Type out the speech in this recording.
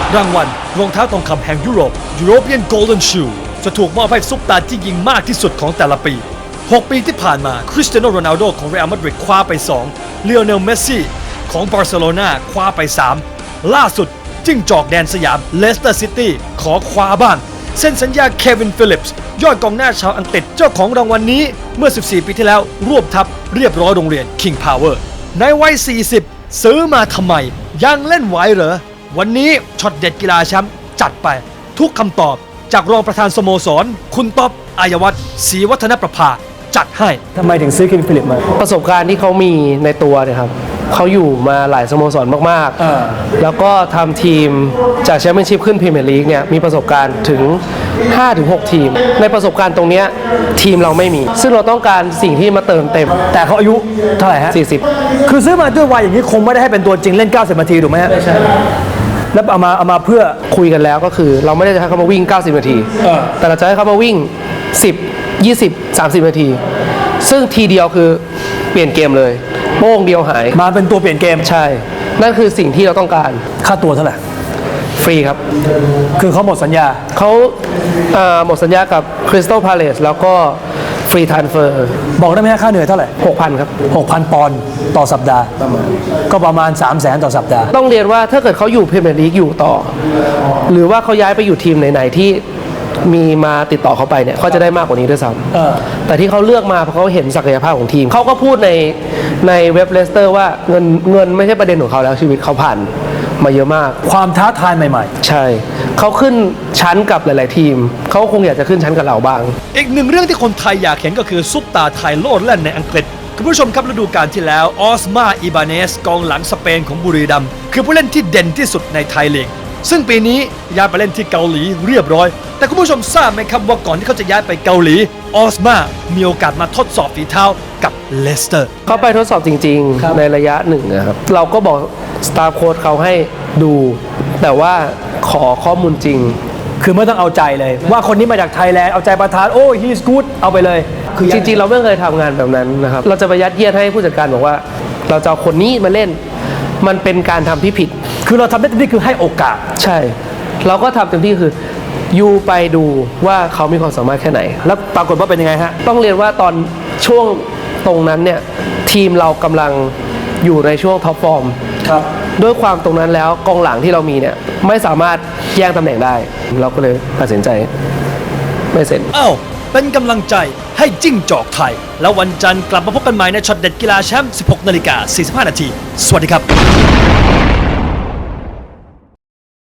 รางวัลรองเท้าทองคำแห่งยุโรป European Golden Shoe จะถูกมอบให้ซุปตาร์ที่ยิงมากที่สุดของแต่ละปี 6 ปีที่ผ่านมาคริสเตียโนโรนัลโดของเรอัลมาดริดคว้าไป2เลโอเนลเมสซี่ของบาร์เซโลนาคว้าไป3ล่าสุดจิ้งจอกแดนสยามเลสเตอร์ซิตี้ขอคว้าบ้างเซ็นสัญญาเควินฟิลิปส์ยอดกองหน้าชาวอังกฤษเจ้าของรางวัลนี้เมื่อ 14 ปีที่แล้วรวบทัพเรียบร้อยโรงเรียน King Power ในวัย 40 ซื้อมาทำไมยังเล่นไหวเหรอวันนี้ช็อตเด็ดกีฬาแชมป์จัดไปทุกคำตอบจากรองประธานสโมสรคุณต๊อบอายวัฒน์ศรีวัฒนประภาจัดให้ทำไมถึงซื้อคิงฟิลิปมาประสบการณ์ที่เขามีในตัวเนี่ยครับเขาอยู่มาหลายสโมสรมากๆแล้วก็ทำทีมจากแชมเปี้ยนชิพขึ้นพรีเมียร์ลีกเนี่ยมีประสบการณ์ถึง 5-6 ทีมในประสบการณ์ตรงนี้ทีมเราไม่มีซึ่งเราต้องการสิ่งที่มาเติมเต็มแต่เขาอายุเท่าไหร่ฮะ40คือซื้อมาด้วยวัยอย่างนี้คงไม่ได้ให้เป็นตัวจริงเล่น90นาทีถูกไหมฮะไม่ใช่แล้วเอามาเพื่อคุยกันแล้วก็คือเราไม่ได้จะให้เขามาวิ่ง90นาทีแต่เราจะให้เขามาวิ่ง10 20 30นาทีซึ่งทีเดียวคือเปลี่ยนเกมเลยโป้งเดียวหายมาเป็นตัวเปลี่ยนเกมใช่นั่นคือสิ่งที่เราต้องการค่าตัวเท่าไหร่ฟรีครับคือเขาหมดสัญญาเขาหมดสัญญากับคริสตัลพาเลซแล้วก็ฟรีทรานสเฟอร์บอกได้ไหมค่าเหนื่อยเท่าไหร่ 6,000 ครับ 6,000 ปอนด์ต่อสัปดาห์ก็ประมาณ 300,000 ต่อสัปดาห์ต้องเรียนว่าถ้าเกิดเขาอยู่พรีเมียร์ลีกอยู่ต่อหรือว่าเขาย้ายไปอยู่ทีมไหนๆที่มีมาติดต่อเขาไปเนี่ยเขาจะได้มากกว่านี้ด้วยซ้ำแต่ที่เขาเลือกมาเพราะเขาเห็นศักยภาพของทีมเขาก็พูดในเว็บเลสเตอร์ว่าเงินไม่ใช่ประเด็นของเขาแล้วชีวิตเขาผ่านมาเยอะมากความท้าทายใหม่ๆใช่เขาขึ้นชั้นกับหลายๆทีมเขาคงอยากจะขึ้นชั้นกับเราบ้างอีกหนึ่งเรื่องที่คนไทยอยากเห็นก็คือซุปตาไทยโลดแล่นในอังกฤษคุณผู้ชมครับฤดูกาลที่แล้วออสมาอิบาเนสกองหลังสเปนของบุรีรัมย์คือผู้เล่นที่เด่นที่สุดในไทยลีกซึ่งปีนี้ย้ายไปเล่นที่เกาหลีเรียบร้อยแต่คุณผู้ชมทราบไหมครับว่าก่อนที่เขาจะย้ายไปเกาหลีออสมามีโอกาสมาทดสอบฝีเท้ากับเลสเตอร์เขาไปทดสอบจริงๆในระยะหนึ่งนะครับเราก็บอกสตาฟโค้ชเขาให้ดูแต่ว่าขอข้อมูลจริงคือไม่ต้องเอาใจเลยว่าคนนี้มาจากไทยแลนด์เอาใจประธานโอ้ he's good เอาไปเลยคือจริงๆเราไม่เคยทำงานแบบนั้นนะครับเราจะไปยัดเยียดให้ผู้จัดการบอกว่าเราจะเอาคนนี้มาเล่นมันเป็นการทำที่ผิดคือเราทำได้เต็มที่คือให้โอกาสใช่เราก็ทำเต็มที่คือยูไปดูว่าเขามีความสามารถแค่ไหนแล้วปรากฏว่าเป็นยังไงฮะต้องเรียนว่าตอนช่วงตรงนั้นเนี่ยทีมเรากำลังอยู่ในช่วงท็อปฟอร์มครับด้วยความตรงนั้นแล้วกองหลังที่เรามีเนี่ยไม่สามารถแย่งตำแหน่งได้เราก็เลยตัดสินใจไม่เซ็นเป็นกำลังใจให้จิ้งจอกไทยแล้ววันจันทร์กลับมาพบกันใหม่ในช็อตเด็ดกีฬาแชมป์ 16:45 น.สวัสดีครับ